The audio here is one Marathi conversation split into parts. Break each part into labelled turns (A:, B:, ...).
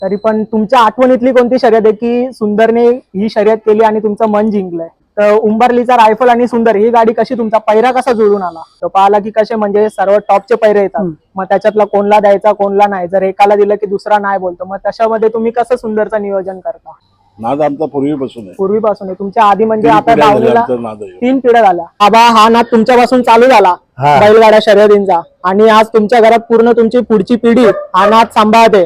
A: तरी पण तुमच्या आठवणीतली कोणती शर्यत आहे की सुंदरने ही शर्यत केली आणि तुमचं मन जिंकलंय? तर उंबरलीचा रायफल आणि सुंदर ही गाडी कशी, तुमचा पैरा कसा जुळून आला? तो पाहिला की कसे म्हणजे सर्व टॉपचे पैरे येतात, मग त्याच्यातला कोणला द्यायचा कोणला नाही, जर एकाला दिलं की दुसरा नाही बोलतो, मग तशामध्ये तुम्ही कसं सुंदरचं नियोजन करता?
B: नाद आमचा पूर्वीपासून आहे.
A: पूर्वीपासून आहे तुमच्या आधी, म्हणजे
B: तीन
A: आता
B: पिढ्या झाल्या
A: दावणीला
B: आमचा नाद आहे.
A: 3 पिढ्या झाल्या. आबा हा नाद तुमच्यापासून चालू झाला बैलगाड्या शर्यतींचा, आणि आज तुमच्या घरात पूर्ण तुमची पुढची पिढी हा नाद सांभाळते.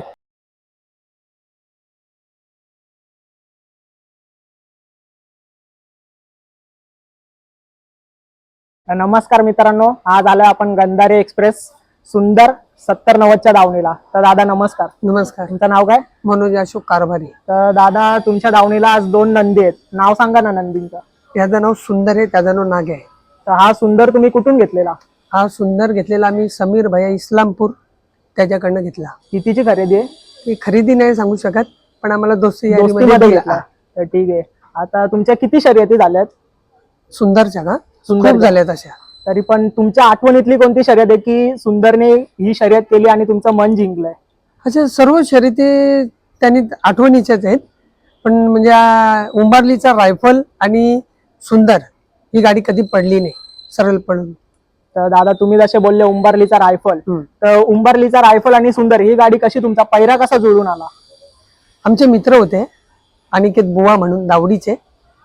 A: नमस्कार मित्रांनो, आज आलोय आपण गंधारे एक्सप्रेस सुंदर 70-90च्या दावणीला. तर दादा नमस्कार.
C: नमस्कार.
A: तुमचं नाव काय?
C: मनोज अशोक कारभारी.
A: तर दादा तुमच्या दावणीला आज 2 नंदी आहेत, नाव सांगा ना नंदींचं.
C: याचं नाव सुंदर आहे, त्याचं नाव नागे आहे.
A: तर हा सुंदर तुम्ही कुठून घेतलेला?
C: हा सुंदर घेतलेला आम्ही समीर भैया इस्लामपूर त्याच्याकडनं घेतला.
A: कितीची खरेदी आहे?
C: ही खरेदी नाही सांगू शकत, पण आम्हाला
A: दोस्तीमध्ये घेतला. तर ठीक आहे. आता तुमच्या किती शर्यती झाल्यात
C: सुंदरच्या का?
A: सुंदर
C: खूप झाल्यात अशा.
A: तरी पण तुमच्या आठवणीतली कोणती शर्यत आहे की सुंदरने ही शर्यत केली आणि तुमचं मन जिंकलंय?
C: अशा सर्व शर्यती त्यांनी आठवणीच्याच आहेत, पण म्हणजे उंबारलीचा रायफल आणि सुंदर ही गाडी कधी पडली नाही सरळ पडून.
A: तर दादा तुम्ही जसे बोलले उंबरलीचा रायफल, तर उंबरलीचा रायफल आणि सुंदर ही गाडी कशी, तुमचा पैरा कसा जुळून आला?
C: आमचे मित्र होते अनिकेत बुवा म्हणून दावडीचे,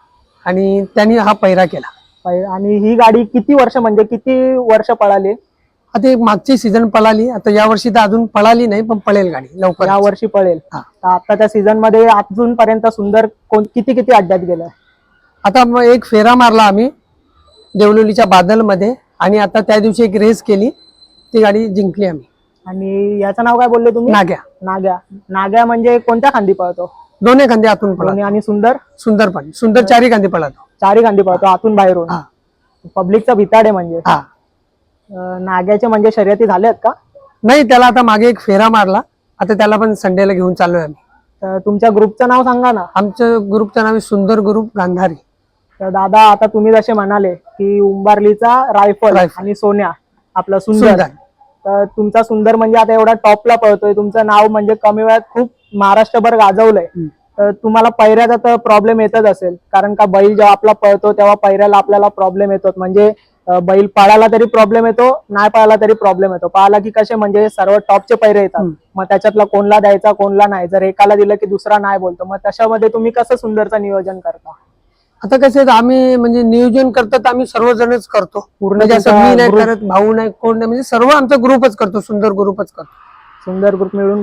C: आणि त्यांनी हा पैरा केला.
A: आणि ही गाडी किती वर्ष, म्हणजे किती वर्ष पळाली?
C: आता एक मागची सीझन पळाली, आता या वर्षी तर अजून पळाली नाही, पण पळेल गाडी लवकर.
A: या वर्षी पळेल. तर आताच्या सीझन मध्ये अजूनपर्यंत सुंदर किती किती अड्ड्यात गेलाय?
C: आता मग एक फेरा मारला आम्ही देवलोलीच्या बादल मध्ये, आणि आता त्या दिवशी एक रेस केली, ती गाडी जिंकली आम्ही.
A: आणि याचं नाव काय बोलले तुम्ही?
C: नाग्या.
A: नाग्या. नाग्या म्हणजे कोणत्या खांदी पळतो?
C: दोन्ही खांदे आतून पळतो.
A: आणि सुंदर?
C: सुंदर पण सुंदर चारी खांदे पळतो.
A: चारी खांदी पळतो आतून बाहेरून. पब्लिकचा भिताड आहे म्हणजे.
C: हा.
A: नाग्याचे म्हणजे शर्यती झाल्यात का?
C: नाही, त्याला आता मागे एक फेरा मारला, आता त्याला पण संडेला घेऊन चाललोय आम्ही.
A: तर तुमच्या ग्रुपचं नाव सांगा ना.
C: आमचं ग्रुपचं नाव आहे सुंदर ग्रुप गांधारी.
A: तर दादा आता तुम्ही जसे म्हणाले की उंबारलीचा रायफल आणि सोन्या आपला सुंदर, तर तुमचा सुंदर म्हणजे आता एवढा टॉपला पळतोय, तुमचं नाव म्हणजे कमी वेळात खूप महाराष्ट्रभर गाजवलंय. तर तुम्हाला पैऱ्याचा तर प्रॉब्लेम येतच असेल, कारण का बैल जेव्हा आपला पळतो तेव्हा पैऱ्याला आपल्याला प्रॉब्लेम येतो, म्हणजे बैल पळाला तरी प्रॉब्लेम येतो, नाही पळाला तरी प्रॉब्लेम येतो. पळाला की कसे म्हणजे सर्व टॉपचे पैरे येतात, मग त्याच्यातला कोणला द्यायचा कोणला नाही, जर एकाला दिलं की दुसरा नाही बोलतो, मग तशामध्ये तुम्ही कसं सुंदरचं नियोजन करता?
C: आता कसं आम्ही म्हणजे नियोजन करतात, आम्ही सर्वजणच करतो पूर्ण. जसं मी नाही करत, भाऊ नाही, कोण नाही, म्हणजे सर्व आमचा ग्रुपच करतो, सुंदर ग्रुपच करतो.
A: सुंदर ग्रुप मिळून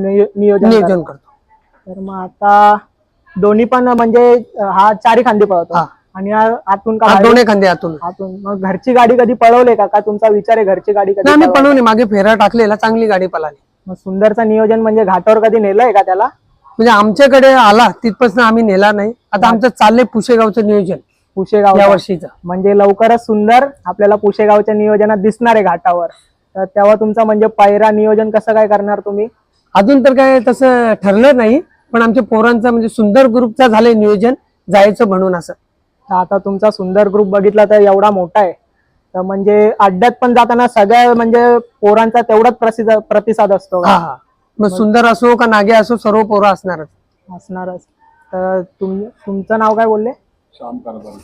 A: नियोजन
C: करतो.
A: तर मग आता दोन्ही पण म्हणजे हा चारी खांदी पळतो आणि आतून का?
C: दोन्ही खांदे आतून.
A: मग घरची गाडी कधी पळवले का? तुमचा विचार आहे घरची गाडी कधी?
C: आम्ही पळवली, मागे फेरा टाकलेला, चांगली गाडी पळाली.
A: मग सुंदरचं नियोजन म्हणजे घाटावर कधी नेलंय का त्याला?
C: म्हणजे आमच्याकडे आला तिथपासून आम्ही नेला नाही. आता आमचं चाललंय पुशेगावचं नियोजन,
A: पुशेगाव
C: या वर्षीचं.
A: म्हणजे लवकरच सुंदर आपल्याला पुशेगावच्या नियोजनात दिसणार आहे घाटावर. तर तेव्हा तुमचं म्हणजे पैरा नियोजन कसं काय करणार तुम्ही?
C: अजून तर काय तसं ठरलं नाही, पण आमच्या पोरांचा म्हणजे सुंदर ग्रुपचा झालंय नियोजन जायचं म्हणून असं.
A: आता तुमचा सुंदर ग्रुप बघितला तर एवढा मोठा आहे, तर म्हणजे अड्ड्यात पण जाताना सगळ्या म्हणजे पोरांचा तेवढाच प्रतिसाद असतो.
C: मग सुंदर असो का नागे असो, सर्व पोरं असणारच.
A: तर तुमचं नाव काय बोलले?
B: श्याम कारभारी.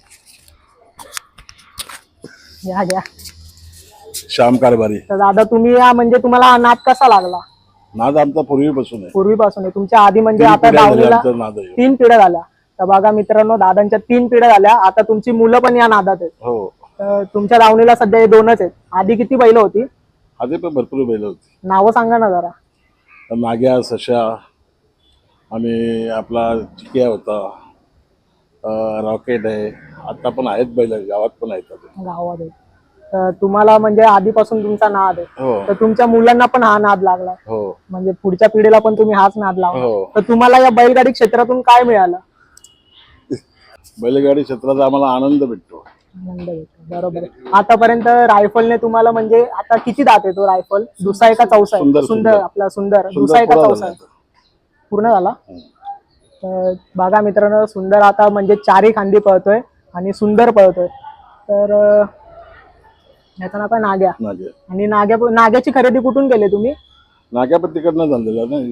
A: घ्या.
B: श्याम कारभारी.
A: तर दादा तुम्ही म्हणजे तुम्हाला हा नाद कसा लागला?
B: नाद आमचा पूर्वीपासून आहे.
A: पूर्वीपासून आहे तुमच्या आधी, म्हणजे आता दावणीला 3 पिढ्या झाल्या. तर बघा मित्रांनो, दादांच्या 3 पिढ्या झाल्या, आता तुमची मुलं पण या नादात आहेत.
B: हो.
A: तर तुमच्या दावणीला सध्या हे 2च आहेत. आधी किती बैल होती?
B: आधी पण भरपूर बैल होती.
A: नावं सांगा ना जरा.
B: नाग्या, सशा आणि आपला चिकिया होता, रॉकेट आहे, आता पण आहेत बैल, गावात पण आहेत.
A: गावात आहेत. तर तुम्हाला म्हणजे आधीपासून तुमचा नाद आहे.
B: हो.
A: तर तुमच्या मुलांना पण हा नाद लागला.
B: हो.
A: म्हणजे पुढच्या पिढीला पण तुम्ही हाच नाद लावला.
B: हो.
A: तर तुम्हाला या बैलगाडी क्षेत्रातून काय मिळालं?
B: बैलगाडी क्षेत्राचा आम्हाला आनंद भेटतो.
A: आनंद भेटतो, बरोबर आहे. आतापर्यंत रायफलने तुम्हाला म्हणजे आता किती दात आहे तो रायफल? दुसरा एका चौसा आहे? सुंदर आपला सुंदर दुसरा एका चौसा पूर्ण झाला. तर बघा मित्रांनो, सुंदर आता म्हणजे चारी खांदी पळतोय आणि सुंदर पळतोय. तर याचं नाव काय? नाग्या. आणि नाग्याची खरेदी कुठून केली तुम्ही?
B: नाग्या पण तिकडनं झालेला ना,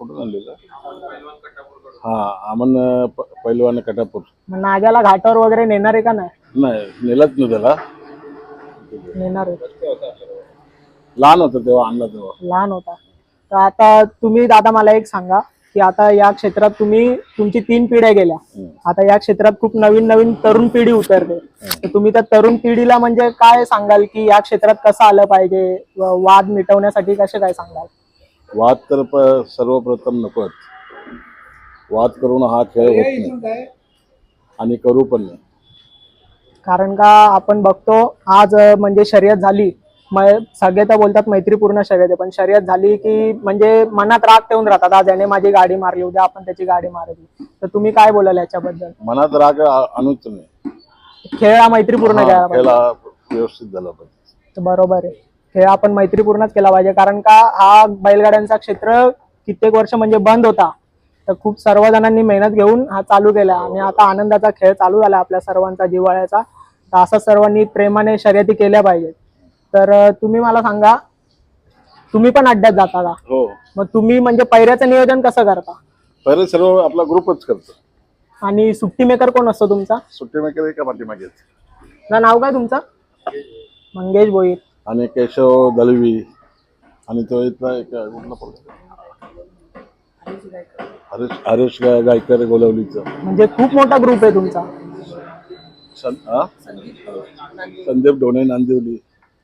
B: कुठून आणलेलं? हा अमन पैलवान कटापूर.
A: मग नाग्याला घाटावर वगैरे नेणार आहे का नाही?
B: नाही नेलंच नाही त्याला,
A: नेणार आहे.
B: लहान होतं तेव्हा आणला तेव्हा.
A: लहान होता. तर आता तुम्ही दादा मला एक सांगा की आता या क्षेत्रात तुमची 3 पिढ्या गेल्या, आता या क्षेत्रात खूप नवीन नवीन तरुण पिढी उतरते, तर तुम्ही त्या तरुण पिढीला म्हणजे काय सांगाल की या क्षेत्रात कसं आलं पाहिजे, वाद मिटवण्यासाठी कसे काय सांगाल?
B: वाद तर सर्वप्रथम नकोच. वाद करून हा खेळ होत नाही आणि करू पण नाही.
A: कारण का आपण बघतो आज म्हणजे शर्यत झाली, सगळे तर बोलतात मैत्रीपूर्ण शर्यत आहे, पण शर्यत झाली की म्हणजे मनात राग ठेवून राहतात, आज याने माझी गाडी मारली, उद्या आपण त्याची गाडी मारली. तर तुम्ही काय बोलाल याच्याबद्दल?
B: मनात राग आणूच नाही.
A: खेळ हा मैत्रीपूर्ण घ्यायला पाहिजे.
B: खेळ हा व्यवस्थित झाला पाहिजे.
A: तर बरोबर आहे, खेळ आपण मैत्रीपूर्णच केला पाहिजे. कारण का हा बैलगाड्यांचा क्षेत्र कित्येक वर्ष म्हणजे बंद होता, तर खूप सर्व जणांनी मेहनत घेऊन हा चालू केला आणि आता आनंदाचा खेळ चालू झाला आपल्या सर्वांचा, जिव्हाळ्याचा. तर असं सर्वांनी प्रेमाने शर्यती केल्या पाहिजेत. तर तुम्ही मला सांगा, तुम्ही पण अड्ड्यात जाता का?
B: हो.
A: मग तुम्ही म्हणजे पैऱ्याचं नियोजन कसं करता?
B: पहिले सर्व आपला ग्रुपच करतो.
A: आणि सुट्टी मेकर कोण असतो तुमचा?
B: सुट्टी मेकर एका पाठीमागे
A: ना नाव काय तुमचं? मंगेश भोईर
B: आणि केशव दलवी आणि तो इथला एक कुठला पोरगा? हरीश गायकर गोलवलीचं.
A: म्हणजे खूप मोठा ग्रुप आहे तुमचा.
B: संदीप ढोणे नांदिवली.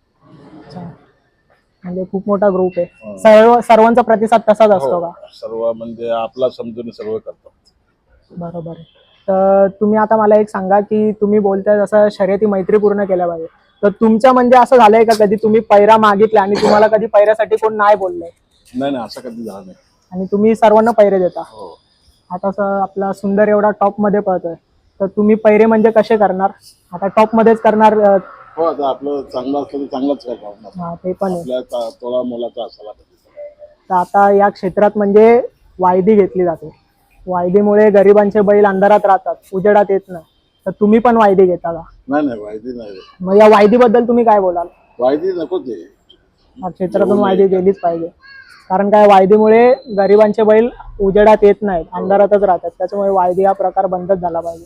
A: म्हणजे खूप मोठा ग्रुप आहे. सर्वांचा प्रतिसाद तसाच असतो का?
B: सर्व म्हणजे आपला समजून सर्व करतात.
A: बरोबर आहे. तर तुम्ही आता मला एक सांगा की तुम्ही बोलताय जसं शर्यती मैत्रीपूर्ण केल्या पाहिजे, तर तुमच्या म्हणजे असं झालंय का कधी तुम्ही पैरा मागितला आणि तुम्हाला कधी पैऱ्यासाठी कोण नाही बोललंय?
B: नाही असं कधी झालं नाही.
A: आणि तुम्ही सर्वांना पैरे देता?
B: हो.
A: आता आपला सुंदर एवढा टॉप मध्ये पळतोय, तर तुम्ही पैरे म्हणजे कसे करणार? आता टॉप मध्येच करणार?
B: हो, आता आपलं चांगलं असलं तर चांगलंच करणार.
A: हा ते पण आहे.
B: आपल्या तोळा मोलाचा असायला पाहिजे.
A: तर आता या क्षेत्रात म्हणजे वायदी घेतली जाते, वायदीमुळे गरिबांचे बैल अंधारात राहतात, उजेडात येत नाही. तर तुम्ही पण वायदी घेता का?
B: नाही वायदी नाही.
A: मग या वायदीबद्दल तुम्ही काय बोलाल?
B: वायदी नको ते.
A: या क्षेत्रातून वायदी गेलीच पाहिजे. कारण काय वायदीमुळे गरिबांचे बैल उजेडात येत नाहीत, अंधारातच राहतात, त्याच्यामुळे वायदी हा प्रकार बंदच झाला पाहिजे.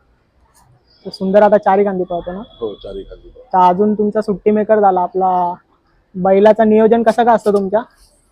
A: तर सुंदर आता 4 खांदी पळतो ना?
B: हो 4 खांदी.
A: तर अजून तुमचा सुट्टी मेकर झाला, आपला बैलाचं नियोजन कसं काय असतं तुमच्या?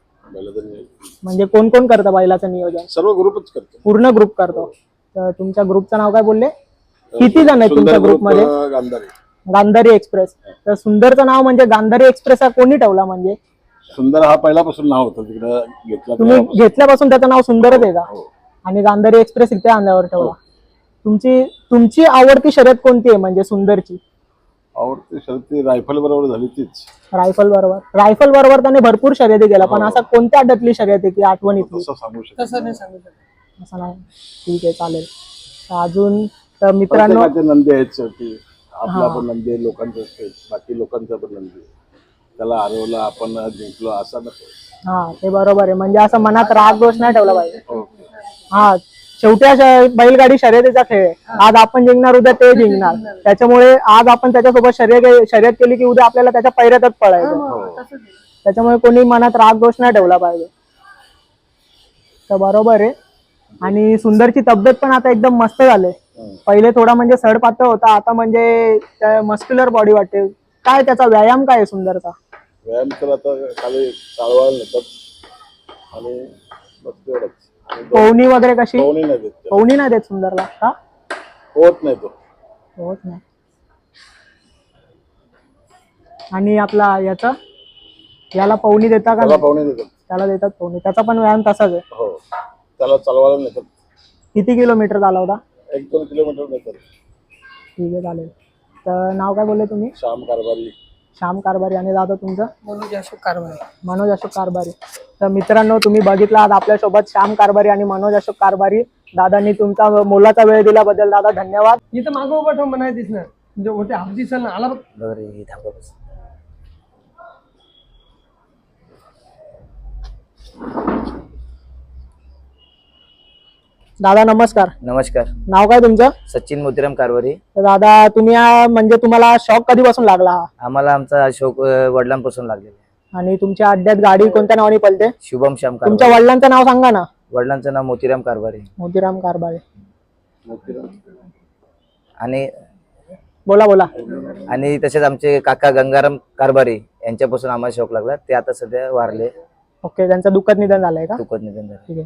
A: म्हणजे कोण कोण करतं बैलाचं नियोजन?
B: सर्व ग्रुपच करतो.
A: पूर्ण ग्रुप करतो. तर तुमच्या ग्रुपचं नाव काय बोलले? किती जण आहेत तुमच्या ग्रुपमध्ये? गांधारी एक्सप्रेस. तर सुंदरचं नाव म्हणजे गांधारी एक्सप्रेस हा कोणी ठेवला? म्हणजे
B: सुंदर हा पहिल्यापासून नाव होतं, तिकडे घेतला.
A: तुम्ही घेतल्यापासून त्याचं नाव सुंदरच आहे का? आणि गांधारी एक्सप्रेस इथे अंगावर ठेवला. तुमची आवडती शर्यत कोणती आहे म्हणजे सुंदरची?
B: आवडती शर्यत रायफल बरोबर झाली तीच.
A: रायफल बरोबर त्याने भरपूर शर्यती केल्या, पण असं कोणत्या अड्ड्यातली शर्यत आहे की आठवणीतली?
B: तसं सांगू शकतो.
C: तसं नाही सांगू शकत.
A: असं नाही. ठीक आहे, चालेल. अजून तर मित्रांनो,
B: नंदी आहेत शेवटी. आपला पण नंदी आहे, लोकांचा बाकी लोकांचा पण नंदी. त्याला हरवलं, आपण जिंकलो असं नको.
A: हा ते बरोबर आहे. म्हणजे असं मनात राग दोष नाही ठेवला पाहिजे. हा शेवटी बैलगाडी शर्यतीचा खेळ आहे. आज आपण जिंकणार, उद्या ते जिंकणार. त्याच्यामुळे आज आपण त्याच्यासोबत शर्यत केली की उद्या आपल्याला त्याच्या पैऱ्यातच पळायचं. त्याच्यामुळे कोणी मनात राग दोष नाही ठेवला पाहिजे. तर बरोबर आहे. आणि सुंदरची तब्येत पण आता एकदम मस्त झाले. पहिले थोडा म्हणजे सडपातळ होता, आता म्हणजे मस्क्युलर बॉडी वाटते. काय त्याचा व्यायाम काय आहे सुंदरचा?
B: व्यायाम तर आता खाली चालवायला नेतात आणि बस तेवढंच.
A: पवनी वगैरे कशी?
B: पवनी
A: नाही देत सुंदरला का?
B: होत नाही, तो
A: होत नाही. आणि आपला याला पवनी देता का?
B: पवनी देतात.
A: त्याला देतात पवनी. त्याचा पण व्यायाम तसाच आहे.
B: हो, त्याला चालवायला नेतात.
A: किती किलोमीटर चालवता?
B: 1-2 किलोमीटर नेतात.
A: ठीक आहे, चालेल. तर नाव काय बोलले तुम्ही? श्याम कारभारी. आणि दादा तुमचं?
C: मनोज अशोक कारभारी.
A: मनोज अशोक कारभारी. तर मित्रांनो, तुम्ही बघितला आज आपल्यासोबत श्याम कारभारी आणि मनोज अशोक कारभारी. दादांनी तुमचा मोलाचा वेळ दिल्याबद्दल दादा धन्यवाद.
C: इथं मागं उभा ठेव म्हणाय दिसणार म्हणजे होते हाफ दिसन आला बघ.
A: दादा नमस्कार.
D: नमस्कार.
A: नाव काय तुमचं?
D: सचिन मोतीराम कारभारी.
A: तर दादा तुम्ही म्हणजे तुम्हाला शॉक कधीपासून लागला?
D: आम्हाला आमचा शौक वडिलांपासून लागलेला आहे.
A: आणि तुमच्या अड्ड्यात गाडी कोणत्या नावाने पळते?
D: शुभम श्याम
A: तुमच्या
D: कारभारे.
A: वडिलांचं नाव सांगा ना.
D: वडिलांचं नाव मोतीराम कारभारे.
A: मोतीराम कारभारे.
D: आणि
A: बोला बोला.
D: आणि तसेच आमचे काका गंगाराम कारभारे यांच्यापासून आम्हाला शौक लागला. ते आता सध्या वारले,
A: ओके, त्यांचं दुःखद निधन झालंय का?
D: दुःखद निधन झाले.
A: ठीक आहे.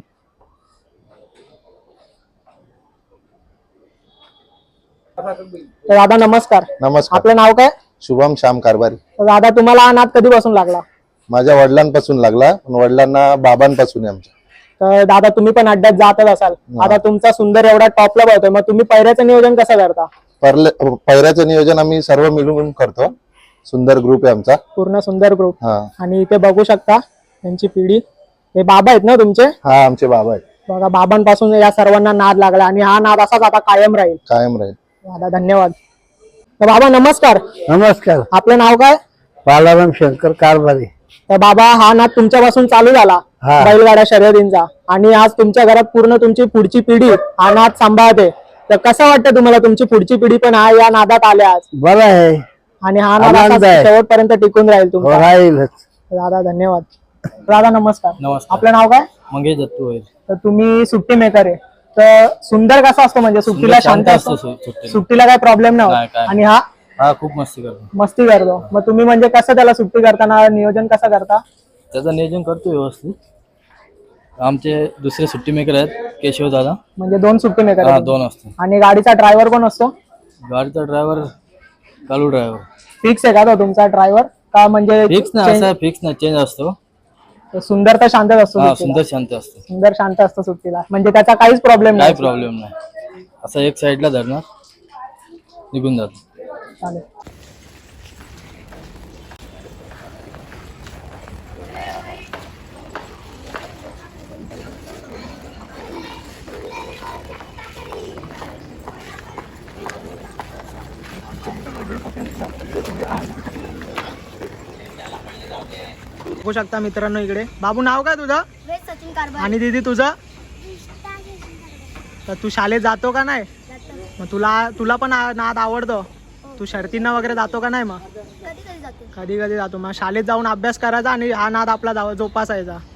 A: तर दादा नमस्कार.
E: नमस्कार.
A: आपलं नाव काय?
E: शुभम श्याम कारभारी.
A: तर दादा तुम्हाला हा नाद कधीपासून लागला?
E: माझ्या वडिलांपासून लागला, पण वडिलांना बाबांपासून आहे आमच्या.
A: तर दादा तुम्ही पण अड्ड्यात जातच असाल. आता तुमचा सुंदर एवढा टॉपला पळतोय, मग तुम्ही पैऱ्याचं नियोजन कसं करता?
E: पैऱ्याचं नियोजन आम्ही सर्व मिळून करतो. सुंदर ग्रुप आहे आमचा.
A: पूर्ण सुंदर ग्रुप.
E: हा
A: आणि इथे बघू शकता त्यांची पिढी. हे बाबा आहेत ना तुमचे?
E: हा आमचे बाबा आहेत.
A: बघा, बाबांपासून या सर्वांना नाद लागला आणि हा नाद असाच आता कायम राहील.
E: कायम राहील.
A: दादा धन्यवाद. तर बाबा नमस्कार.
C: नमस्कार.
A: आपलं नाव काय?
C: बालाराम शंकर कारभारे.
A: तर बाबा हा नाद तुमच्यापासून चालू झाला बैलगाड्या शर्यतींचा, आणि आज तुमच्या घरात पूर्ण तुमची पुढची पिढी हा नाद सांभाळते. तर कसं वाटतं तुम्हाला तुमची पुढची पिढी पण हा या नादात आल्या आज?
C: बरं आहे,
A: आणि हा नाद असाच शेवटपर्यंत टिकून राहील तुमचा.
C: राहीलच.
A: दादा धन्यवाद. दादा नमस्कार.
F: नमस्कार.
A: आपलं नाव काय?
F: मंगेश दत्तू होईल.
A: तर तुम्ही सुट्टी मेकर आहे. तर सुंदर कसा असतो म्हणजे सुट्टीला शांत असतो, सुट्टीला काय प्रॉब्लेम नाही
F: नाही,
A: होत.
F: काय
A: आणि हा
F: हा खूप मस्ती करतो.
A: मस्ती करतो. मग तुम्ही म्हणजे कसं त्याला सुट्टी करताना नियोजन कसं करता?
F: त्याचं नियोजन करतो व्यवस्थित. आमचे दुसरे सुट्टी मेकर आहेत केशव दादा.
A: म्हणजे दोन सुट्टी मेकर
F: हा
A: आहेत.
F: दोन असतो.
A: आणि गाडीचा ड्रायव्हर कोण असतो?
F: गाडीचा ड्रायव्हर कालू ड्रायव्हर.
A: फिक्स आहे का तो तुमचा ड्रायव्हर? का म्हणजे
F: फिक्स नाही, असा फिक्स नाही, चेंज असतो.
A: सुंदर तर शांतच असतो
F: हा
A: सुट्टीला.
F: सुंदर शांत असतो,
A: सुंदर शांत असतो सुट्टीला, म्हणजे त्याचा काहीच प्रॉब्लेम
F: काय
A: नाही.
F: प्रॉब्लेम नाही. असं एक साईडला धरणार निघून जातो.
A: चालेल. बघू शकता मित्रांनो इकडे. बाबू नाव काय तुझं?
G: सचिन कारभार.
A: आणि दीदी तुझं? तर तू शाळेत जातो का नाही? मग तुला पण नाद आवडतो? तू शर्तींना वगैरे जातो का नाही? मग
G: कधी कधी जातो.
A: कधी कधी जातो. मग शाळेत जाऊन अभ्यास करायचा आणि हा नाद आपला जोपासायचा.